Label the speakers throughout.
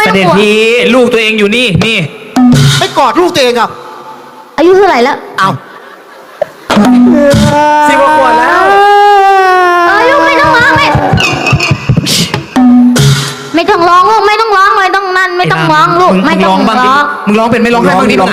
Speaker 1: เสด็จพี่ลูกตัวเองอยู่นี่
Speaker 2: ไม่กอดลูกตัวเองอ่ะ
Speaker 3: อายุเท่าไหร่แล้ว
Speaker 2: เอา
Speaker 1: 10 กว่าขวบแล้ว
Speaker 3: ลูกไม่ต้องร้องไม่ต้องร้องลูกไม่ต้องร้องไม่ต้องนั่นไม่ต้องร้องลูกไม่ต้องร้อง
Speaker 1: มึงร้องเป็นไม่ร้องให้บ้างดิไม่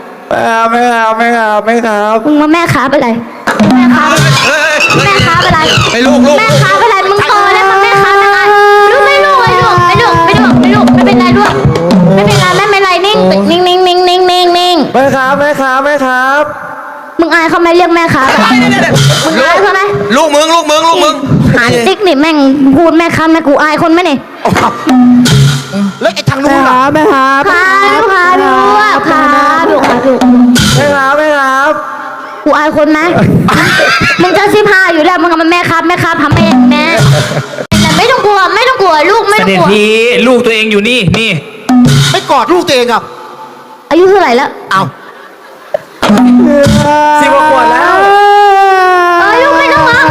Speaker 1: ครับ
Speaker 3: มึงมาแม่ค้าไปเลยแม่ค้าไปเลย
Speaker 1: ไปลูก
Speaker 3: แม่ค้าไปเลยมึงโตแล้วมาแม่ค้าไปเลยลูกไม่เป็นไรลูกไม่เป็นไรแม่ไม่ไรนิ่ง
Speaker 1: แม่ครับ
Speaker 3: มึงอายเขาไหมเรียกแม่ค้าไปมึงอายเขาไหม
Speaker 1: ลูกมึง
Speaker 3: หาติ๊กนี่แม่งพูดแม่ค้าแม่กูอายคนไหมนี่
Speaker 2: แล้วไอ้ทางนู้นล่ะ
Speaker 1: แม่ครับ
Speaker 3: พาดูแม่
Speaker 1: ครับ
Speaker 3: กูอายคนไหมมึงจะ15อยู่แล้วมึงกับมันแม่ครับทำเองแม่แต่ไม่ต้องกลัวลูกไม่ต้องกลัว
Speaker 1: เสด็จพี่ลูกตัวเองอยู่นี่
Speaker 2: ไม่กอดลูกตัวเองอ่ะ
Speaker 3: อายุเท่าไหร่แล้ว
Speaker 2: เอา
Speaker 1: 10 กว่าขวบแล้ว
Speaker 3: ลูกไม่ต้องร้อง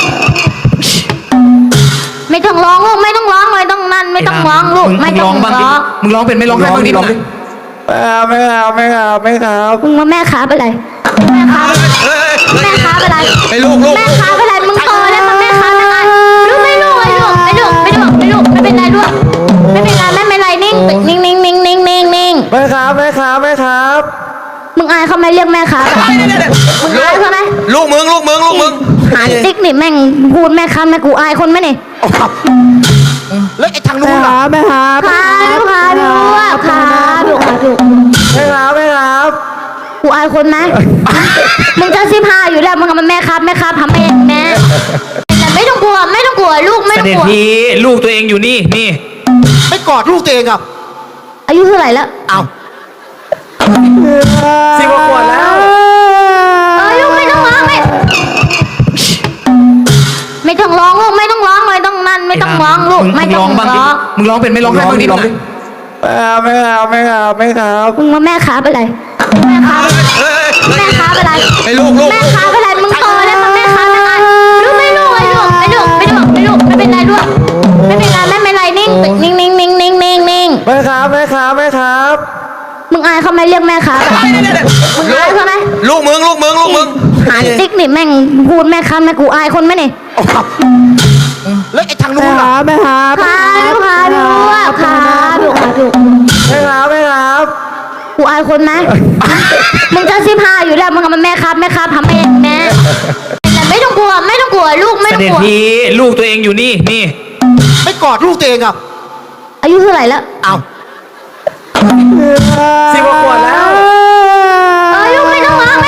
Speaker 3: ไม่ต้องร้องลูกไม่ต้องร้องไม่ต้องนั่นไม่ต้องร้องลูกไม่ต้องร้อง
Speaker 1: มึงร้องเป็นไม่ร้องให้บ้างดิไม่ครับ
Speaker 3: มึงมาแม่ค้าไปเลยแม่ค้าไปเลย
Speaker 1: ไปลูก
Speaker 3: แม่ค้าไปเลยมึงโตแล้วมาแม่ค้าไปเลยลูกไม่เป็นไรลูกไม่เป็นไรแม่ไม่ไรนิ่ง
Speaker 1: แม่ครับ
Speaker 3: มึงอายเขาไหมเรียกแม่ค้าไปมึงอายเขาไหม
Speaker 1: ลูกมึง
Speaker 3: หาติ๊กนี่แม่งพูดแม่ค้าแม่กูอายคนไหมนี่
Speaker 2: แล้วไอ้ทางนู้นล่ะ
Speaker 1: แม่ครับ
Speaker 3: พาดูแม่
Speaker 1: ครับ
Speaker 3: กูอายคนไหมมึงจะ15อยู่แล้วมึงกับมันแม่ครับทำเองแม่แต่ไม่ต้องกลัวลูกไม่ต้องกลัว
Speaker 1: เสด็จพี่ลูกตัวเองอยู่นี่
Speaker 2: ไม่กอดลูกตัวเองอ่ะ
Speaker 3: อายุเท่าไหร่แล้ว
Speaker 2: เอา
Speaker 1: 10 กว่าขวบแล้ว
Speaker 3: ลูกไม่ต้องร้องไม่ต้องร้องลูกไม่ต้องร้องไม่ต้องนั่นไม่ต้องร้องลูกไม่ต้องร้อง
Speaker 1: มึงร้องเป็นไม่ร้องให้บ้างดิไม่ครับ
Speaker 3: มึงมาแม่ค้าไปเลยแม่ค้าไปเลย
Speaker 1: ไปลูก
Speaker 3: แม่ค้าไปเลยมึงโตแล้วมาแม่ค้าไปเลยลูกไม่เป็นไรลูกไม่เป็นไรแม่ไม่ไรนิ่ง
Speaker 1: แม่ครับ
Speaker 3: มึงอายเขาไหมเรียกแม่ค้าไปมึงอายเขาไหม
Speaker 1: ลูกมึง
Speaker 3: หาติ๊กนี่แม่งพูดแม่ค้าแม่กูอายคนไหมนี่
Speaker 2: แล้วไอ้ทางนู้นล่ะ
Speaker 1: แม่ครับ
Speaker 3: พาดูแม่
Speaker 1: ครับ
Speaker 3: กูอายคนไหมมึงจะ15อยู่แล้วมึงกับมันแม่ครับทำเองแม่แต่ไม่ต้องกลัวลูกไม่ต้องกลัว
Speaker 1: เสด็จพี่ลูกตัวเองอยู่นี่
Speaker 2: ไม่กอดลูกตัวเองอ่ะ
Speaker 3: อายุเท่าไหร่แล้ว
Speaker 2: เอา
Speaker 1: 10 กว่าขวบแล้ว
Speaker 3: ลูกไม่ต้องร้อง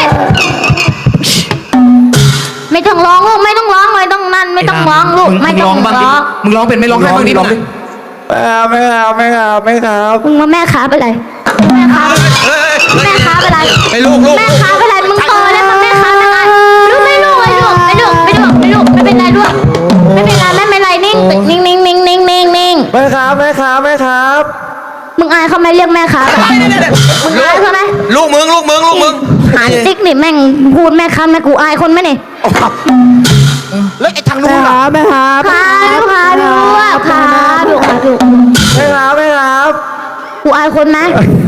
Speaker 3: ไม่ต้องร้องลูกไม่ต้องร้องไม่ต้องนั่นไม่ต้องร้องลูกไม่ต้องร้อง
Speaker 1: มึงร้องเป็นไม่ร้องให้บ้างดิไม่ครับ
Speaker 3: มึงมาแม่ค้าไปเลยแม่ค้าไปเลย
Speaker 1: ไปลูก
Speaker 3: แม่ค้าไปเลยมึงโตแล้วมาแม่ค้าไปเลยลูกไม่เป็นไรลูกไม่เป็นไรแม่ไม่ไรนิ่ง
Speaker 1: แม่ครับ
Speaker 3: มึงอายเขาไหมเรียกแม่ค้าไปมึงอายเขาไหม
Speaker 1: ลูกมึง
Speaker 3: หาติ๊กนี่แม่งพูดแม่ค้าแม่กูอายคนไหมนี่
Speaker 2: แล้วไอ้ทางนู้นล่ะ
Speaker 1: แม่ครับ
Speaker 3: พาดูแม่
Speaker 1: ครับ
Speaker 3: กูอายคนไหม